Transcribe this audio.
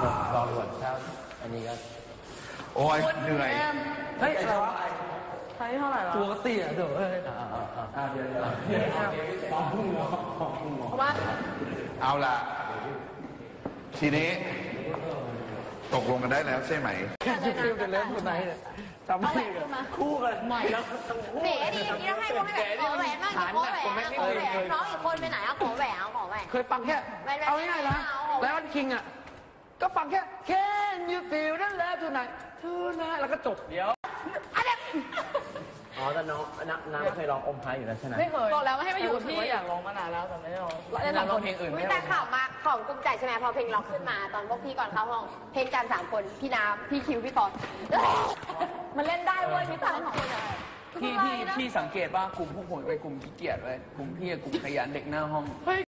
ลองดูก่อนครับอันนี้ก็โอ้ยเหนื่อยเฮ้ยอะไรวะใช้เท่าไหร่วะตัวเตี้ยเดี๋ยวเดี๋ยวมาเอาล่ะทีนี้ตกลงกันได้แล้วใช่ไหมแค่จะฟิลจะเล่นคนไหนจำไม่ได้คู่กันใหม่แล้วเก๋ดีนี่ต้องให้พวกให้แบบขอแหวนบ้างขอแหวนขอแหวนน้องอีกคนไปไหนอะขอแหวนขอแหวนเคยฟังแค่เอาง่ายๆนะแล้ววันคิงอะก็ฟังแค่ Can you feel that love tonight tonight แล้วก็จบเดี๋ยวอ๋อแต่น้องเคยร้องอมพายอยู่แล้วใช่ไหมไม่เคยบอกแล้วว่าให้มาอยู่ที่อยากร้องมานานแล้วแต่ไม่ได้ร้องร้องเพลงอื่นแต่ข่าวมาของกลุ้มใจใช่ไหมพอเพลงร้องขึ้นมาตอนพวกพี่ก่อนเข้าห้องเพลงกัน3 คนพี่น้ำพี่คิวพี่ปอนมันเล่นได้เว้ยพี่3 คนพี่สังเกตว่ากลุ่มพวกผมเป็นกลุ่มขี้เกียจเลยกลุ่มพี่กับกลุ่มขยันเด็กหน้าห้อง